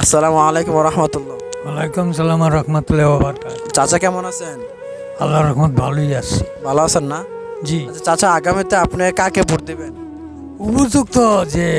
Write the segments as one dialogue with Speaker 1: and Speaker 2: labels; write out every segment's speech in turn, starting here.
Speaker 1: আসসালামু আলাইকুম রহমতুল্লাহ।
Speaker 2: ওয়ালাইকুম সালাম রহমতুল্লাহ বারাকাতুহু।
Speaker 1: চাচা কেমন আছেন?
Speaker 2: আল্লাহর রহমত ভালোই আছি।
Speaker 1: ভালো আছেন না?
Speaker 2: জি,
Speaker 1: আচ্ছা চাচা, আগামীতে আপনি কাকে ভোট দিবেন?
Speaker 2: উপযুক্ত যে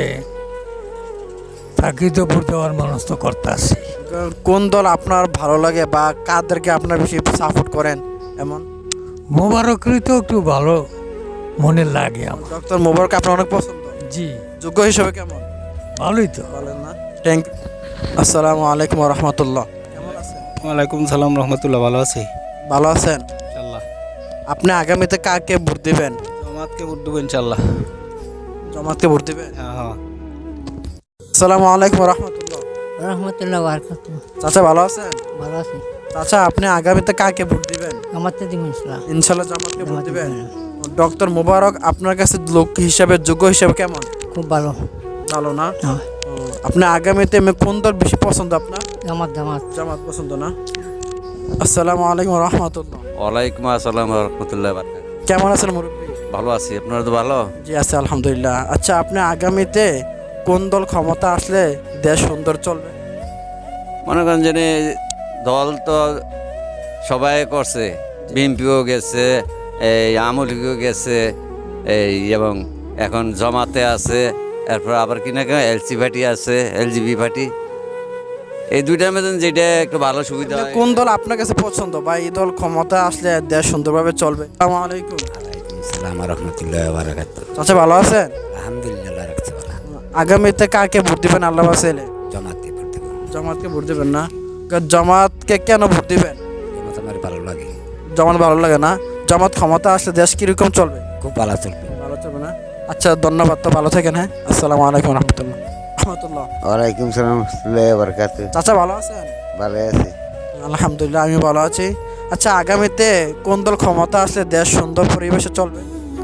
Speaker 2: তাকে তো ভোট দেওয়ার মানুষ তো করতে আছি।
Speaker 1: কোন দল আপনার ভালো লাগে বা কাদেরকে আপনার বেশি সাপোর্ট করেন? এমন
Speaker 2: মোবারকরি তো একটু ভালো মনে লাগে আমার।
Speaker 1: ডক্টর মোবারক আপনার অনেক পছন্দ,
Speaker 2: জি,
Speaker 1: যোগ্য হিসেবে কেমন?
Speaker 2: ভালোই তো।
Speaker 1: বলেন না। Thank you. আসসালামু আলাইকুম রহমতুল্লাহ। কেমন আছেন?
Speaker 3: ওয়ালাইকুম সালাম রহমতুল্লাহ, ভালো আছি
Speaker 1: ভালো আছেন?
Speaker 3: ইনশাল্লাহ।
Speaker 1: আপনি আগামীতে কাকে ভোট দিবেন?
Speaker 3: জামাতকে ভোট দেবো ইনশাল্লাহ।
Speaker 1: জামাতকে ভোট দিবেন?
Speaker 3: হ্যাঁ।
Speaker 1: আসসালামু আলাইকুম রহমতুল্লাহ।
Speaker 4: রহমতুল্লাহ বারকাত।
Speaker 1: চাচা ভালো আছেন?
Speaker 4: ভালো আছি।
Speaker 1: চাচা, আপনি আগামীতে কাকে ভোট দিবেন?
Speaker 4: আমারতে দিব ইনশাল্লাহ।
Speaker 1: ইনশাল্লাহ জামাতকে ভোট
Speaker 4: জামাতে
Speaker 1: দিবেন।
Speaker 4: দিবেন।
Speaker 1: ডক্টর মোবারক আপনার কাছে লোক হিসাবে, যোগ্য হিসাবে কেমন?
Speaker 4: খুব ভালো।
Speaker 1: ভালো না?
Speaker 4: হ্যাঁ।
Speaker 1: আপনি আগামীতে কোন দল বেশি পছন্দ আপনার?
Speaker 4: জামাত জামাত।
Speaker 1: জামাত পছন্দ না? আসসালামু আলাইকুম রহমতুল্লাহ।
Speaker 5: ওয়ালাইকুম আসসালাম রহমতুল্লাহ বারকাত।
Speaker 1: কেমন আছেন মুরব্বী?
Speaker 5: ভালো আছি, আপনারা তো ভালো?
Speaker 1: জি আছে আলহামদুলিল্লাহ। আচ্ছা, আপনি আগামীতে কোন দল ক্ষমতা আসলে দেশ সুন্দর চলবে?
Speaker 5: মনে করেন যে দল তো সবাই করছে, বিএনপিও গেছে, এই আওয়ামী লীগও গেছে, এই এবং এখন জমাতে আছে, এরপর আবার কিনা এলসি পার্টি আছে, এলজিবি পার্টি। এই দুইটার মধ্যে যেটা একটু ভালো সুবিধা হয়।
Speaker 1: কোন দল আপনার কাছে পছন্দ বা এই দল ক্ষমতা আসলে দেশ সুন্দরভাবে চলবে? আসসালামু আলাইকুম।
Speaker 6: সালাম রহমতুল্লাহ বারাকাতুহু।
Speaker 1: চাচা ভালো আছেন?
Speaker 6: আলহামদুলিল্লাহ রাখছে ভালো।
Speaker 1: আগামীতে কাকে ভোট দিবেন আল্লাহ বাসাইলে?
Speaker 6: জামাতে ভোট দেব।
Speaker 1: জামাতকে ভোট দিবেন না? জামাতকে কেন ভোট দিবেন?
Speaker 6: জামাত আমার ভালো লাগে,
Speaker 1: জামাত ভালো লাগে না? জামাত ক্ষমতা আসলে দেশ কিরকম চলবে?
Speaker 6: খুব ভালো চলবে।
Speaker 1: ভালো চলবে না? আচ্ছা ধন্যবাদ, তো ভালো থাকেন। হ্যাঁ, আসসালামু আলাইকুম রহমতুল্লাহ। রহমতুল্লাহ।
Speaker 7: ওয়ালাইকুম সালাম রহমতুল্লাহ বারাকাতুহু।
Speaker 1: চাচা ভালো আছেন?
Speaker 7: ভালো আছি।
Speaker 1: আলহামদুলিল্লাহ, আমি ভালো আছি। আচ্ছা, আগামীতে কোন দল ক্ষমতা আসলে দেশ সুন্দর পরিবেশে চলবে?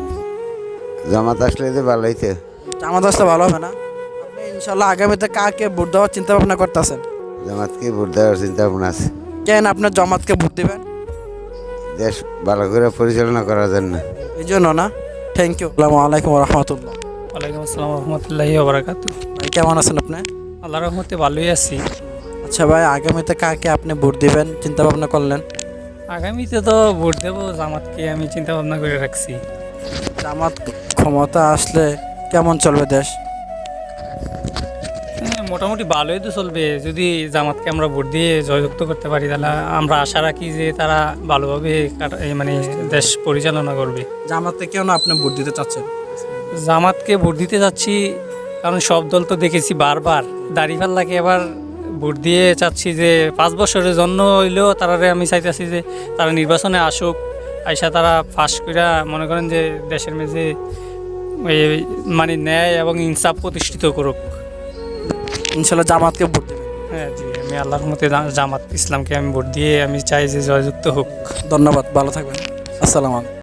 Speaker 7: জামাত আসলে তো ভালোই তো।
Speaker 1: জামাত আসলে ভালো হবে না? আপনি ইনশাল্লাহ আগামীতে কাকে ভোট দেওয়ার চিন্তা ভাবনা করতেছেন?
Speaker 7: জামাতকে ভোট দেওয়ার চিন্তা ভাবনা আছে।
Speaker 1: কেন আপনার জামাতকে ভোট দিবেন?
Speaker 7: দেশ ভালো করে পরিচালনা করার জন্য।
Speaker 1: এই জন্য না? Thank you. আসসালামু আলাইকুম রহমতুল্লাহ।
Speaker 2: ওয়ালাইকুম আসসালাম রহমতুল্লাহি বারাকাতুহু।
Speaker 1: ভাই কেমন আছেন আপনি?
Speaker 2: আল্লাহর রহমতে ভালোই আছি।
Speaker 1: আচ্ছা ভাই, আগামীতে কাকে আপনি ভোট দিবেন চিন্তা ভাবনা করলেন?
Speaker 2: আগামীতে তো ভোট দেবো জামাতকে, আমি চিন্তা ভাবনা করে রাখছি।
Speaker 1: জামাত ক্ষমতা আসলে কেমন চলবে দেশ?
Speaker 2: মোটামুটি ভালোই তো চলবে, যদি জামাতকে আমরা ভোট দিয়ে জয়যুক্ত করতে পারি তাহলে আমরা আশা রাখি যে তারা ভালোভাবে মানে দেশ পরিচালনা করবে।
Speaker 1: জামাতকে কেন আপনি ভোট দিতে চাচ্ছেন?
Speaker 2: জামাতকে ভোট দিতে যাচ্ছি কারণ সব দল তো দেখেছি বারবার, দাঁড়িপাল্লাকে এবার ভোট দিয়ে চাচ্ছি যে 5 বছরের জন্য হইলেও তারারে আমি চাইতেছি যে তারা নির্বাচনে আসুক, আইসা তারা ফাঁস কইরা মনে করেন যে দেশের মেঝে মানে ন্যায় এবং ইনসাফ প্রতিষ্ঠিত করুক।
Speaker 1: ইনশাল্লাহ জামাতকে ভোট দেবেন?
Speaker 2: হ্যাঁ জি, আমি আল্লাহর মতে জামাত ইসলামকে আমি ভোট দিয়ে আমি চাই যে জয়যুক্ত হোক।
Speaker 1: ধন্যবাদ, ভালো থাকবেন। আসসালামু আলাইকুম।